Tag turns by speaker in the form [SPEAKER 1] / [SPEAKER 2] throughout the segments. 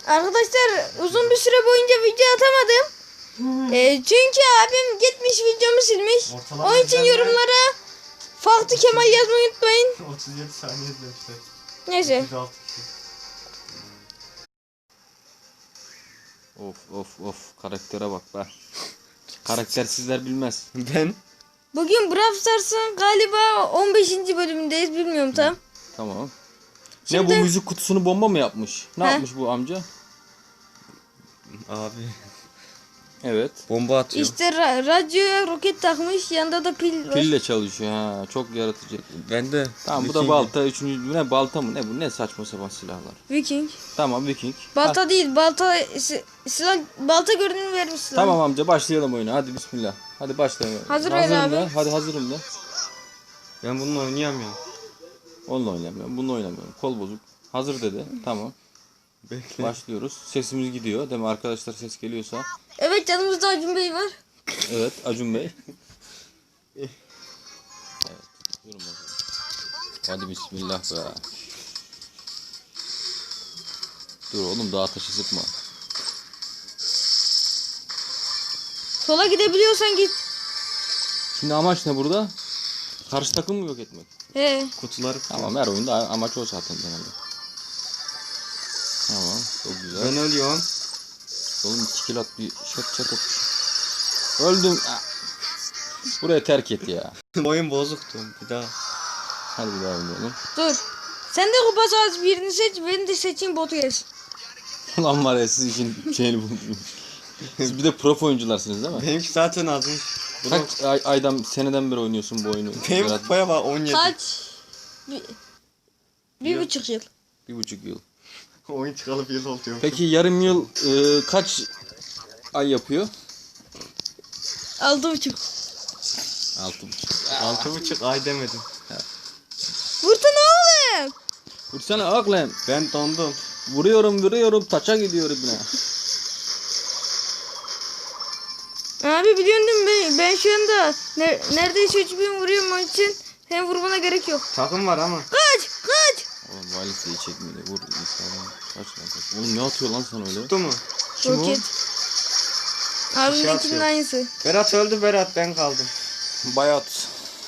[SPEAKER 1] Arkadaşlar uzun bir süre boyunca video atamadım. Çünkü abim gitmiş videomu silmiş.
[SPEAKER 2] Ortalama
[SPEAKER 1] Onun için yorumlara Farklı Kemal yazmayı unutmayın.
[SPEAKER 2] 37 saniye izlemişler.
[SPEAKER 1] Neyse.
[SPEAKER 2] 36 kişi.
[SPEAKER 3] Of karaktere bak be. Karaktersizler bilmez.
[SPEAKER 2] Ben?
[SPEAKER 1] Bugün Brawl Stars'ın galiba 15. bölümündeyiz, bilmiyorum tam.
[SPEAKER 3] Tamam.
[SPEAKER 1] Şimdi-
[SPEAKER 3] Ne bu müzik kutusunu bomba mı yapmış? Ne
[SPEAKER 1] He?
[SPEAKER 3] yapmış bu amca?
[SPEAKER 2] Abi.
[SPEAKER 3] Evet.
[SPEAKER 2] Bomba atıyor.
[SPEAKER 1] İşte radyoya roket takmış, yanında da pil var.
[SPEAKER 3] Pille çalışıyor ha. Çok yaratıcı.
[SPEAKER 2] Ben de.
[SPEAKER 3] Tamam bu da balta. Üçüncü ne balta mı? Ne bu? Ne saçma sapan silahlar.
[SPEAKER 1] Viking.
[SPEAKER 3] Tamam Viking.
[SPEAKER 1] Balta değil, silah, balta görünümü vermiş silah.
[SPEAKER 3] Tamam amca başlayalım oyuna. Hadi bismillah. Hadi başlayalım.
[SPEAKER 1] Hazır ver
[SPEAKER 3] Hazırım
[SPEAKER 1] abi.
[SPEAKER 3] da. Hadi hazırım da.
[SPEAKER 2] Ben bununla oynayamıyorum.
[SPEAKER 3] Onunla oynamıyorum. Bununla oynamıyorum. Kol bozuk. Hazır dedi. Tamam.
[SPEAKER 2] Bekle.
[SPEAKER 3] Başlıyoruz. Sesimiz gidiyor. Değil mi? Arkadaşlar ses geliyorsa.
[SPEAKER 1] Evet, yanımızda Acun Bey var.
[SPEAKER 3] Evet Acun Bey. Evet. Buyurun bakalım. Hadi bismillah be. Dur oğlum daha taşı sıkma.
[SPEAKER 1] Sola gidebiliyorsan git.
[SPEAKER 3] Şimdi amaç ne burada? Karşı takım mı yok etmek?
[SPEAKER 1] He.
[SPEAKER 2] Kutuları.
[SPEAKER 3] Tamam her oyunda amaç o zaten genelde. Tamam çok güzel.
[SPEAKER 2] Ben ölüyorum.
[SPEAKER 3] Oğlum 2 kill at bir şat etmiş. Öldüm. Ah. Buraya terk et ya.
[SPEAKER 2] Oyun bozuktu. Bir daha.
[SPEAKER 3] Hadi bir daha oynayalım.
[SPEAKER 1] Dur. Sen de kupa sahası birini seç, beni de seçeyim, botu gelsin.
[SPEAKER 3] Ulan var ya siz için şeyini buldum. Siz bir de prof oyuncularsınız değil mi?
[SPEAKER 2] Benimki zaten azmış.
[SPEAKER 3] Kaç aydan seneden beri oynuyorsun bu oyunu?
[SPEAKER 2] Benim
[SPEAKER 3] Berat?
[SPEAKER 2] kupaya bak 17.
[SPEAKER 1] Kaç? Bir buçuk yıl.
[SPEAKER 3] 1,5 yıl.
[SPEAKER 2] Oyun çıkalı bir yıl oluyor.
[SPEAKER 3] Peki yarım yıl kaç ay yapıyor?
[SPEAKER 1] 6,5.
[SPEAKER 3] 6,5.
[SPEAKER 2] 6,5 ay demedim.
[SPEAKER 1] Vursana oğlum.
[SPEAKER 3] Vursana aklım.
[SPEAKER 2] Ben dondum.
[SPEAKER 3] Vuruyorum taça gidiyor ibne.
[SPEAKER 1] Abi biliyorsun değil mi? Ben şu anda neredeyse 3000 vuruyorum, onun için senin vurmana gerek yok.
[SPEAKER 2] Takım var ama.
[SPEAKER 1] Kaç!
[SPEAKER 3] Oğlum valisi iyi çekmedi. Vur insanı. Kaç lan kaç. Oğlum ne atıyor lan sana öyle?
[SPEAKER 2] Tuttu mu?
[SPEAKER 3] Kim o?
[SPEAKER 1] Roket. Abimdekinin
[SPEAKER 2] atıyor.
[SPEAKER 1] aynısı.
[SPEAKER 2] Berat öldü, Berat ben kaldım.
[SPEAKER 3] Bayat.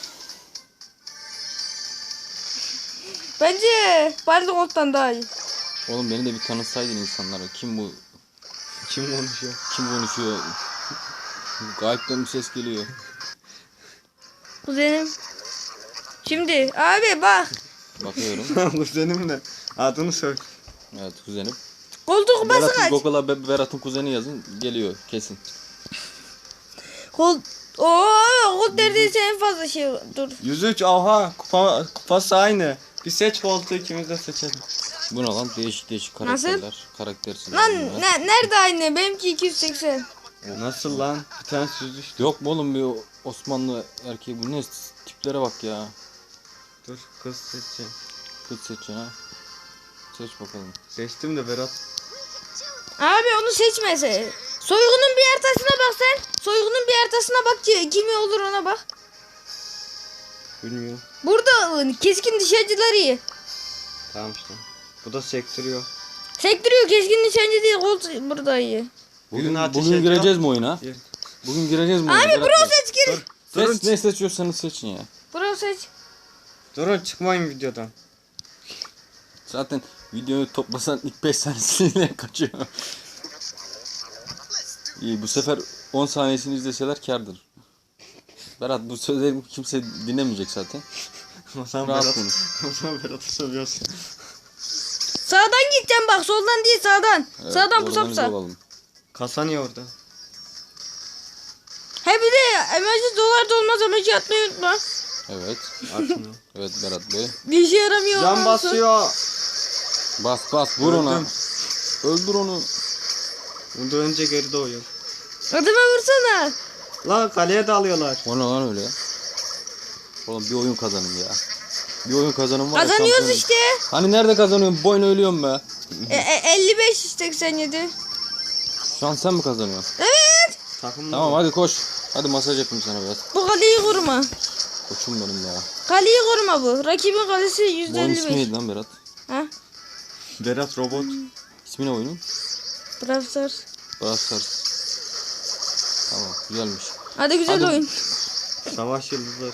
[SPEAKER 1] Bence Barlogot'tan daha iyi.
[SPEAKER 3] Oğlum beni de bir tanıtsaydın insanlara. Kim bu?
[SPEAKER 2] Kim konuşuyor?
[SPEAKER 3] Kim konuşuyor? Gayipten bir ses geliyor.
[SPEAKER 1] Kuzenim. Şimdi abi bak.
[SPEAKER 3] Bakıyorum.
[SPEAKER 2] Kuzenim de. Adını söyle.
[SPEAKER 3] Evet kuzenim.
[SPEAKER 1] Koltuk kupası
[SPEAKER 3] Berat'ın
[SPEAKER 1] kaç?
[SPEAKER 3] Google'a Berat'ın kuzeni yazın. Geliyor kesin.
[SPEAKER 1] Kol... Kol neredeyse en fazla şey. Dur.
[SPEAKER 2] 103 oha kupası aynı. Bir seç koltuğu, ikimiz de seçelim.
[SPEAKER 3] Bu ne lan? Değişik
[SPEAKER 1] Nasıl?
[SPEAKER 3] karakterler. Karaktersiz.
[SPEAKER 1] Lan
[SPEAKER 3] oyunlar.
[SPEAKER 1] nerede aynı? Benimki 280.
[SPEAKER 2] Nasıl lan? Bir tane süz işte.
[SPEAKER 3] Yok mu oğlum bir Osmanlı erkeği? Bu ne tiplere bak ya.
[SPEAKER 2] Dur kız seçeceğim.
[SPEAKER 3] Kız seçeceksin ha. Seç bakalım.
[SPEAKER 2] Seçtim de Berat.
[SPEAKER 1] Abi onu seçmese. Soygunun bir haritasına bak sen. Soygunun bir haritasına bak ki kimi olur ona bak.
[SPEAKER 2] Bilmiyorum.
[SPEAKER 1] Burada keskin nişancılar iyi.
[SPEAKER 2] Tamam işte. Bu da sektiriyor.
[SPEAKER 1] Sektiriyor, keskin nişancı değil, Colt burada iyi.
[SPEAKER 3] Bugün gireceğiz mi oyuna?
[SPEAKER 2] Gir.
[SPEAKER 3] Bugün gireceğiz mi oyuna?
[SPEAKER 1] Abi
[SPEAKER 3] Berat
[SPEAKER 1] bro
[SPEAKER 3] Bey?
[SPEAKER 1] seç gir.
[SPEAKER 2] Durun.
[SPEAKER 3] Ne seçiyorsanız seçin ya.
[SPEAKER 1] Bro seç.
[SPEAKER 2] Durun çıkmayın videodan.
[SPEAKER 3] Zaten videoyu toplasan ilk 5 saniyesiyle kaçıyor. İyi bu sefer 10 saniyesini izleseler kârdır. Berat bu sözleri kimse dinlemeyecek zaten.
[SPEAKER 2] O zaman
[SPEAKER 3] Rahat
[SPEAKER 2] Berat.
[SPEAKER 3] konuş.
[SPEAKER 2] O zaman Berat'ı seviyorsun.
[SPEAKER 1] Sağdan gideceğim bak, soldan değil sağdan.
[SPEAKER 3] Evet,
[SPEAKER 1] Sağdan
[SPEAKER 3] organize
[SPEAKER 1] pusapsa.
[SPEAKER 3] olalım.
[SPEAKER 2] Kasa niye orada?
[SPEAKER 1] He bir de emoji dolar da olmaz, emoji atmayı unutma.
[SPEAKER 3] Evet.
[SPEAKER 2] Atmıyor.
[SPEAKER 3] Evet Berat Bey.
[SPEAKER 1] Bir işe yaramıyor.
[SPEAKER 2] Can
[SPEAKER 1] olmasın.
[SPEAKER 2] basıyor.
[SPEAKER 3] Bas vur ona.
[SPEAKER 2] Öldüm.
[SPEAKER 3] Öldür onu.
[SPEAKER 2] Bunda önce geri doğuyor.
[SPEAKER 1] Adama vursana.
[SPEAKER 2] La kaleye dalıyorlar.
[SPEAKER 3] O ne lan öyle? Oğlum bir oyun kazanın ya. Bir oyun kazanın var ya.
[SPEAKER 1] Kazanıyoruz
[SPEAKER 3] şampiyon.
[SPEAKER 1] işte.
[SPEAKER 3] Hani nerede kazanıyorum? Bu oyunu ölüyorum be.
[SPEAKER 1] 55-87.
[SPEAKER 3] Şu an sen mi kazanıyorsun?
[SPEAKER 1] Evet.
[SPEAKER 2] Takım
[SPEAKER 3] Tamam hadi koş. Hadi masaj yapayım sana biraz.
[SPEAKER 1] Bu kaleyi koruma.
[SPEAKER 3] Koçum benim ya.
[SPEAKER 1] Kaleyi koruma bu. Rakibin kalesi
[SPEAKER 3] Bu oyun ismi
[SPEAKER 1] %55.
[SPEAKER 3] neydi lan Berat?
[SPEAKER 1] Ha?
[SPEAKER 2] Berat robot.
[SPEAKER 3] İsmi ne oyunun?
[SPEAKER 1] Brawl Stars.
[SPEAKER 3] Brawl Stars. Tamam güzelmiş.
[SPEAKER 1] Hadi güzel
[SPEAKER 3] Hadi.
[SPEAKER 1] oyun.
[SPEAKER 2] Savaş yıldızları.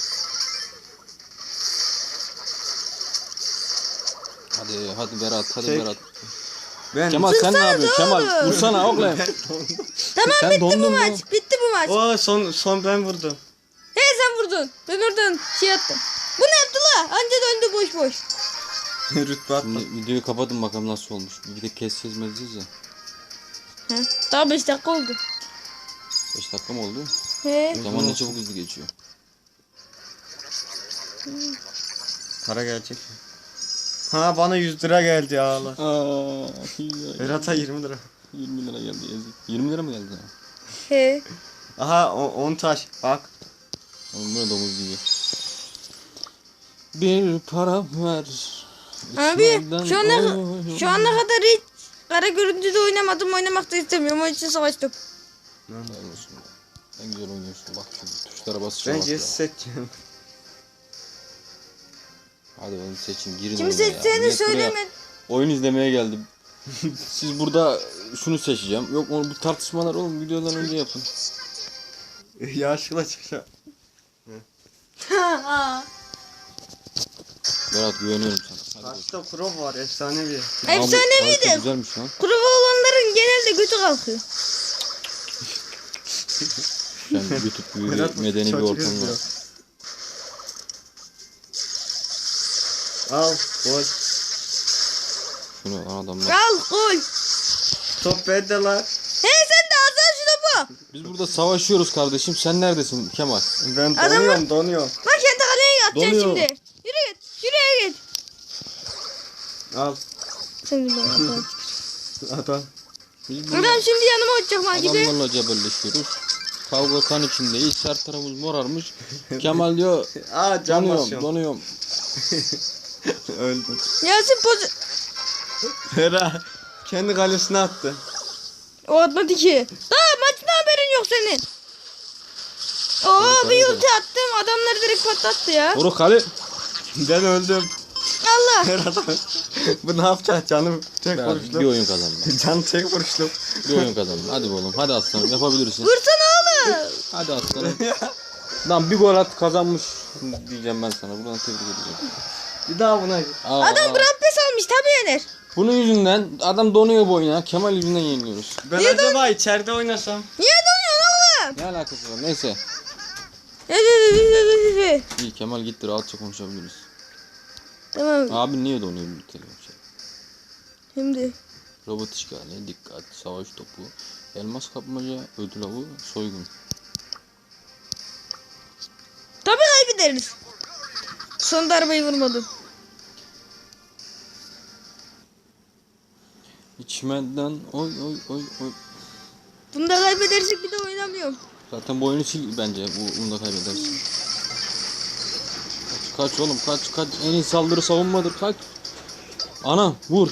[SPEAKER 3] Hadi Berat hadi
[SPEAKER 2] Çek.
[SPEAKER 3] Berat.
[SPEAKER 2] Ben
[SPEAKER 3] Kemal sen ne yapıyorsun? Kemal
[SPEAKER 1] oğlum.
[SPEAKER 3] vursana oğlum.
[SPEAKER 1] Tamam
[SPEAKER 3] Sen
[SPEAKER 1] bitti bu
[SPEAKER 3] dondun mu?
[SPEAKER 1] maç. Bitti bu maç.
[SPEAKER 2] O son ben vurdum.
[SPEAKER 1] He sen vurdun. Ben oradan şey attım. Bu ne yaptı la? Anca döndü boş boş.
[SPEAKER 2] Rütbe attım.
[SPEAKER 3] Şimdi videoyu kapatın bakalım nasıl olmuş. Bir de keseceğiz mezeceğiz ya.
[SPEAKER 1] He. Daha 5 dakika oldu.
[SPEAKER 3] 5 dakika mı oldu?
[SPEAKER 1] He.
[SPEAKER 3] Zaman ne çabuk hızlı geçiyor.
[SPEAKER 2] Para gelecek mi? Ha bana 100 lira geldi ya Allah.
[SPEAKER 3] Aa,
[SPEAKER 2] Berat'a 20 lira.
[SPEAKER 3] 20 lira geldi ezik. 20 lira mı geldi sana?
[SPEAKER 1] He.
[SPEAKER 2] Aha 10 taş bak.
[SPEAKER 3] Oğlum bu ne domuz gibi. Bir para ver.
[SPEAKER 1] Abi
[SPEAKER 3] İçmeden
[SPEAKER 1] şu ana kadar hiç kara görüntüde oynamadım. Oynamak da istemiyorum. Onun için savaştım.
[SPEAKER 3] Helal olsun. En güzel oynuyorsun. Bak şimdi tuşlara basacağım.
[SPEAKER 2] Bence seçeceğim.
[SPEAKER 3] Hadi ben seçeyim. Girin
[SPEAKER 1] Kimi
[SPEAKER 3] oyuna ya.
[SPEAKER 1] seçeceğini
[SPEAKER 3] Millet buraya
[SPEAKER 1] söyleme.
[SPEAKER 3] oyun izlemeye geldim. Siz burada şunu seçeceğim. Yok bu tartışmalar oğlum videodan önce yapın.
[SPEAKER 2] Yaşlı çıkacağım.
[SPEAKER 3] Berat güveniyorum sana. Hadi bakalım.
[SPEAKER 2] Kaçta pro var efsanevi.
[SPEAKER 1] Efsaneviydi.
[SPEAKER 3] Harika, güzelmiş lan.
[SPEAKER 1] Kurova olanların genelde götü kalkıyor.
[SPEAKER 3] Yani YouTube gibi
[SPEAKER 2] Berat
[SPEAKER 3] medeni bir
[SPEAKER 2] çocuk
[SPEAKER 3] ortam var.
[SPEAKER 2] izliyor. Al gol.
[SPEAKER 3] Şunu adamlar.
[SPEAKER 1] Al gol.
[SPEAKER 2] Top bende lan.
[SPEAKER 1] He sen de azal şu topu.
[SPEAKER 3] Biz burada savaşıyoruz kardeşim. Sen neredesin Kemal?
[SPEAKER 2] Ben
[SPEAKER 1] Adamı-
[SPEAKER 2] donuyorum.
[SPEAKER 1] Bak kendi kaleye atacaksın
[SPEAKER 3] Donuyor.
[SPEAKER 1] şimdi. Yürü git. Şuraya git.
[SPEAKER 2] Al
[SPEAKER 1] Sen de bana bak.
[SPEAKER 2] adam.
[SPEAKER 3] Biz burada
[SPEAKER 1] Adam şimdi yanıma uçacak gibi.
[SPEAKER 3] adamlarla cebelleşiyoruz. Kavga kan içindeyiz. Her tarafımız morarmış. Kemal diyor
[SPEAKER 2] Aa can
[SPEAKER 3] donuyorum
[SPEAKER 2] basıyorum.
[SPEAKER 3] donuyorum.
[SPEAKER 2] Öldüm.
[SPEAKER 1] Yasin poz...
[SPEAKER 2] Hera kendi kalesine attı.
[SPEAKER 1] O atmadı ki. Daha maçtan haberin yok senin. Oo bir ulti attım. Adamları direkt patlattı ya.
[SPEAKER 3] Oru kale.
[SPEAKER 2] Ben öldüm.
[SPEAKER 1] Allah.
[SPEAKER 2] Herhalde. Bu ne yapacak canım tek
[SPEAKER 3] Bir
[SPEAKER 2] vuruşlu.
[SPEAKER 3] oyun kazandım.
[SPEAKER 2] Can tek vuruşlu.
[SPEAKER 3] Bir oyun kazandım. Hadi oğlum. Hadi aslanım yapabilirsin.
[SPEAKER 1] Vursana oğlum.
[SPEAKER 3] Hadi aslanım. Lan bir gol at kazanmış diyeceğim ben sana. Buradan tebrik edeceğim.
[SPEAKER 2] Bir daha buna git.
[SPEAKER 1] Adam Brampes almış tabii yener.
[SPEAKER 3] Bunun yüzünden adam donuyor bu oyuna. Kemal yüzünden yeniliyoruz.
[SPEAKER 2] Ben acaba içeride oynasam?
[SPEAKER 1] Niye donuyorsun oğlum?
[SPEAKER 3] Ne alakası var? Neyse. İyi Kemal gitti rahatça konuşabiliriz.
[SPEAKER 1] Tamam
[SPEAKER 3] Abi niye donuyor bir telefon şey?
[SPEAKER 1] şimdi.
[SPEAKER 3] Robot işgali, dikkat, savaş topu, elmas kapmaca, ödül avı, soygun.
[SPEAKER 1] Tabii kaybederiz. Son darbeyi vurmadım.
[SPEAKER 3] İçmeden oy oy oy oy.
[SPEAKER 1] Bunu da kaybedersek bir de oynamıyorum.
[SPEAKER 3] Zaten bu oyunu sil bence. Bunu da kaybedersin. Kaç oğlum kaç. En iyi saldırı savunmadır kaç. Ana vur.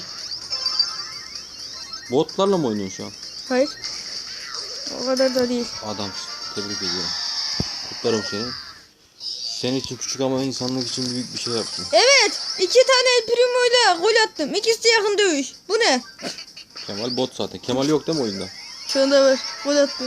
[SPEAKER 3] Botlarla mı oynuyorsun şu an?
[SPEAKER 1] Hayır. O kadar da değil.
[SPEAKER 3] Adamsın. Tebrik ediyorum. Kutlarım seni. Senin için küçük ama insanlık için büyük bir şey yaptın.
[SPEAKER 1] Evet. 2 tane El Primo ile gol attım. İkisi de yakın dövüş. Bu ne?
[SPEAKER 3] Kemal bot zaten. Kemal yok değil mi oyunda?
[SPEAKER 1] Şu anda var. Gol attı.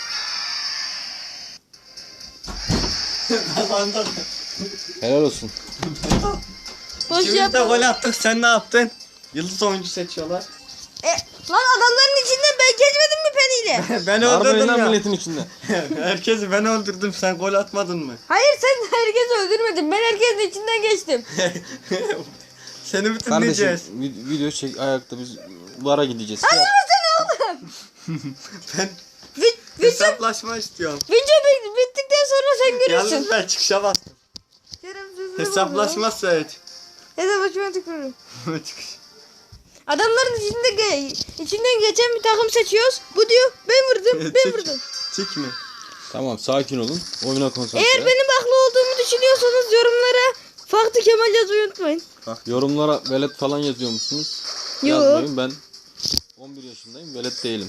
[SPEAKER 2] Kazandım.
[SPEAKER 3] Helal olsun.
[SPEAKER 1] Boş
[SPEAKER 2] İkimiz de
[SPEAKER 1] yapma.
[SPEAKER 2] gol attık. Sen ne yaptın? Yıldız oyuncu seçiyorlar.
[SPEAKER 1] Lan adamların içinden ben geçmedim mi peniyle?
[SPEAKER 2] Ben
[SPEAKER 3] Arabayı
[SPEAKER 2] öldürdüm
[SPEAKER 3] lan
[SPEAKER 2] ya.
[SPEAKER 3] milletin içinde.
[SPEAKER 2] Herkesi ben öldürdüm. Sen gol atmadın mı?
[SPEAKER 1] Hayır sen herkesi öldürmedin. Ben herkesin içinden geçtim.
[SPEAKER 2] Seni mi
[SPEAKER 3] Kardeşim
[SPEAKER 2] dinleyeceğiz?
[SPEAKER 3] video çek ayakta biz VAR'a gideceğiz.
[SPEAKER 1] Hayırlırsın oğlum.
[SPEAKER 2] Ben
[SPEAKER 1] Video
[SPEAKER 2] hesaplaşma istiyorum.
[SPEAKER 1] bittikten sonra sen görürsün.
[SPEAKER 2] Yalnız ben çıkışa bastım. Hesaplaşma seç.
[SPEAKER 1] Hesaplaşma tıklıyorum.
[SPEAKER 2] Çıkış.
[SPEAKER 1] Adamların içinden geçen bir takım seçiyoruz. Bu diyor ben vurdum ben
[SPEAKER 2] Çık.
[SPEAKER 1] vurdum.
[SPEAKER 2] Çık mı?
[SPEAKER 3] Tamam sakin olun. Oyuna konsantre.
[SPEAKER 1] Eğer benim haklı olduğumu düşünüyorsanız yorumlara Farklı Kemal yazmayı unutmayın.
[SPEAKER 3] Yorumlara velet falan yazıyor musunuz?
[SPEAKER 1] Yo.
[SPEAKER 3] Yazmayın ben 11 yaşındayım velet değilim.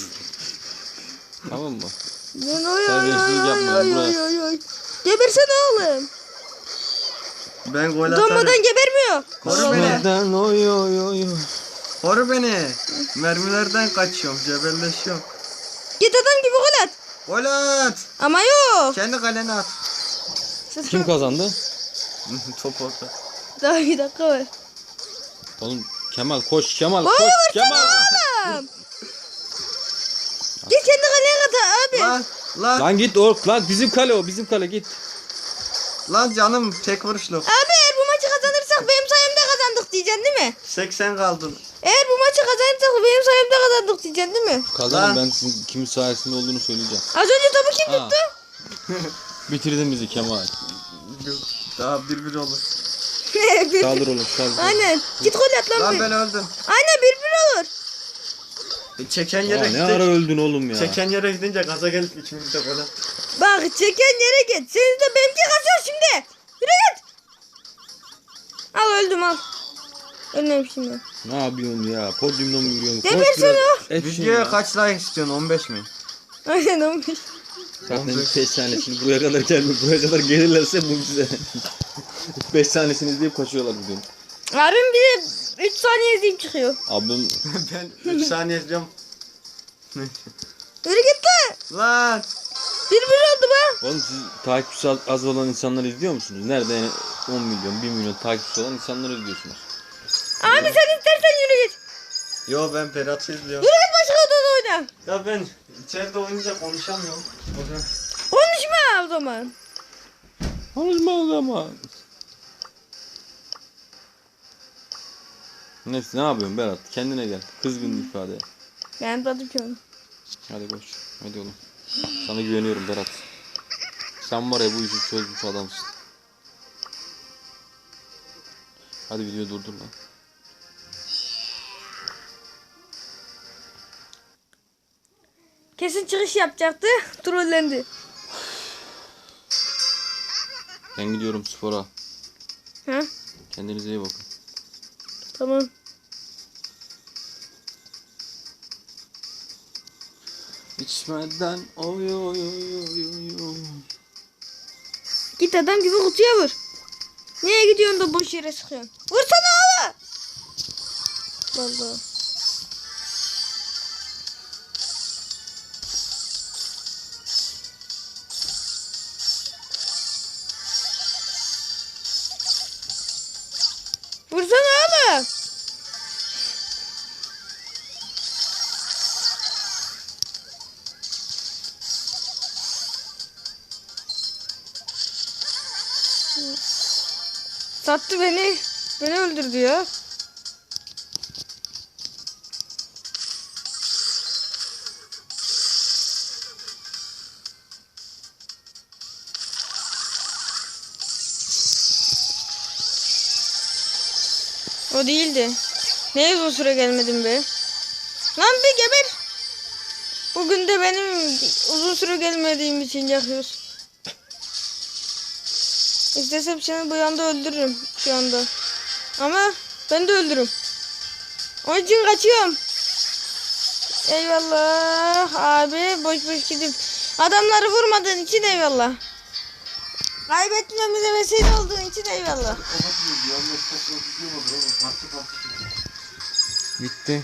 [SPEAKER 3] Tamam mı?
[SPEAKER 1] Ben oy
[SPEAKER 3] Terbiyesizlik yapmayın, buraya.
[SPEAKER 1] Gebersene oğlum.
[SPEAKER 2] Ben gol atarım.
[SPEAKER 1] Utanmadan gebermiyor.
[SPEAKER 2] Koru beni.
[SPEAKER 3] Neden oy oy oy oy.
[SPEAKER 2] Koru beni. Mermilerden kaçıyorum. Cebelleşiyorum.
[SPEAKER 1] Git adam gibi gol at.
[SPEAKER 2] Gol at.
[SPEAKER 1] Ama yok.
[SPEAKER 2] Kendi kalene at.
[SPEAKER 3] Kim kazandı?
[SPEAKER 2] Top orta.
[SPEAKER 1] Daha bir dakika var.
[SPEAKER 3] Oğlum Kemal koş Kemal
[SPEAKER 1] Gol
[SPEAKER 3] koş
[SPEAKER 1] vursana
[SPEAKER 3] Kemal.
[SPEAKER 1] oğlum. Git kendi kaleye kat abi.
[SPEAKER 2] Lan
[SPEAKER 3] Lan git lan bizim kale o bizim kale git.
[SPEAKER 2] lan canım tek vuruşluk.
[SPEAKER 1] Abi eğer bu maçı kazanırsak benim sayemde kazandık diyeceksin değil mi?
[SPEAKER 2] 80 kaldın.
[SPEAKER 1] Eğer bu maçı kazanırsak benim sayemde kazandık diyeceksin değil mi?
[SPEAKER 3] Kazanın
[SPEAKER 2] Lan.
[SPEAKER 3] ben sizin kimin sayesinde olduğunu söyleyeceğim.
[SPEAKER 1] Az önce topu kim
[SPEAKER 3] Ha.
[SPEAKER 1] tuttu?
[SPEAKER 3] Bitirdin bizi Kemal.
[SPEAKER 2] Daha 1-1 olur.
[SPEAKER 1] Bir-
[SPEAKER 3] Kaldır oğlum kaldır.
[SPEAKER 1] Aynen. Git gol at lan.
[SPEAKER 2] Lan
[SPEAKER 1] bir.
[SPEAKER 2] ben öldüm.
[SPEAKER 1] Aynen 1-1 olur.
[SPEAKER 2] Çeken
[SPEAKER 3] Aa,
[SPEAKER 2] yere
[SPEAKER 3] ne ara
[SPEAKER 2] gittik.
[SPEAKER 3] öldün oğlum ya.
[SPEAKER 2] Çeken yere gidince gaza gelip ikimiz de gol attık.
[SPEAKER 1] Bak çeken yere git. Seni de benimki kaçıyor şimdi. Yürü git. Al öldüm al. Ölmemişim ben.
[SPEAKER 3] Ne yapıyorsun ya? Podyumda mı yürüyorsun?
[SPEAKER 1] Gebersene o.
[SPEAKER 2] Videoya kaç like istiyorsun? 15 mi?
[SPEAKER 1] Aynen olmuş.
[SPEAKER 3] Zaten 5 saniye şimdi buraya kadar gelmiyor. Buraya kadar gelirlerse mucize. 5 tanesini izleyip kaçıyorlar bugün.
[SPEAKER 1] Abim bir de 3 saniye izleyip çıkıyor.
[SPEAKER 3] Abim
[SPEAKER 2] Ben 3 saniye izliyorum.
[SPEAKER 1] Yürü git lan.
[SPEAKER 2] Lan
[SPEAKER 1] 1-1 oldu be.
[SPEAKER 3] oğlum siz takipçisi az olan insanları izliyor musunuz? Nerede yani 10 milyon 1 milyon takipçisi olan insanları izliyorsunuz.
[SPEAKER 1] Abi sen istersen yürü git.
[SPEAKER 2] yo ben Berat'ı izliyorum.
[SPEAKER 1] Yürü git başka odada oyna.
[SPEAKER 2] Ya ben içeride oynayınca konuşamıyorum. O yüzden
[SPEAKER 1] Konuşma o zaman.
[SPEAKER 3] Konuşma o zaman. Neyse ne yapıyorsun Berat? Kendine gel. Kızgın ifade.
[SPEAKER 1] Ben tadım ki onu.
[SPEAKER 3] Hadi koş. Hadi oğlum. Sana güveniyorum Berat. Sen var ya bu işi çözmüş adamsın. Hadi videoyu durdur lan.
[SPEAKER 1] Kesin çıkış yapacaktı. Trollendi.
[SPEAKER 3] Ben gidiyorum spora.
[SPEAKER 1] Ha?
[SPEAKER 3] Kendinize iyi bakın.
[SPEAKER 1] Tamam.
[SPEAKER 3] İçmeden oy oy oy oy oy.
[SPEAKER 1] Git adam gibi kutuya vur. Niye gidiyorsun da boş yere sıkıyorsun? Vursana oğlum. Vallahi. Vursana oğlum. Sattı beni. Beni öldürdü ya. O değildi. Ne uzun süre gelmedim be. Lan bir geber. Bugün de benim uzun süre gelmediğim için yakıyoruz. İstesem seni bu yanda öldürürüm şu anda. Ama ben de öldürürüm. Onun için kaçıyorum. Eyvallah abi boş boş gidip adamları vurmadığın için eyvallah. Kaybetmemize vesile olduğun için eyvallah.
[SPEAKER 3] Bitti.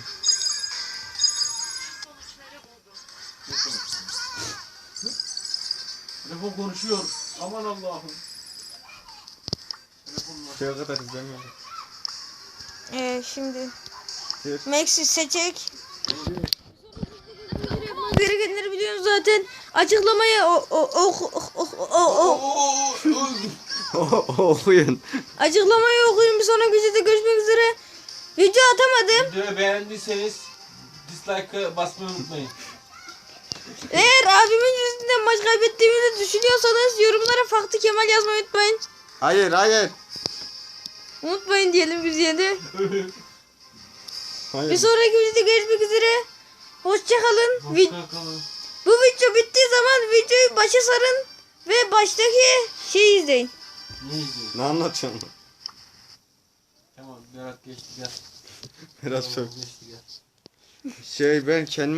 [SPEAKER 2] telefon konuşuyor. Aman Allah'ım. Şeye kadar izlemiyorum.
[SPEAKER 1] Şimdi
[SPEAKER 2] Evet.
[SPEAKER 1] Max'i seçecek. Gerekenleri biliyorsun zaten. Açıklamayı
[SPEAKER 2] Okuyun.
[SPEAKER 1] açıklamayı okuyun. Bir sonraki videoda görüşmek üzere. Video atamadım.
[SPEAKER 3] Videoyu beğendiyseniz dislike'ı basmayı unutmayın.
[SPEAKER 1] Eğer abimin yüzünden maç kaybettiğimizi düşünüyorsanız yorumlara Faktı Kemal yazmayı unutmayın.
[SPEAKER 2] Hayır.
[SPEAKER 1] Unutmayın diyelim biz yine de.
[SPEAKER 2] Hayır.
[SPEAKER 1] Bir sonraki videoda görüşmek üzere. Hoşçakalın.
[SPEAKER 3] Hoşçakalın.
[SPEAKER 1] Bu video bittiği zaman videoyu başa sarın ve baştaki şeyi izleyin.
[SPEAKER 3] Ne izliyorsun?
[SPEAKER 2] Ne anlatıyorsun?
[SPEAKER 3] Tamam Berat geçti gel.
[SPEAKER 2] Biraz çok.
[SPEAKER 3] Geçti gel.
[SPEAKER 2] Ben kendime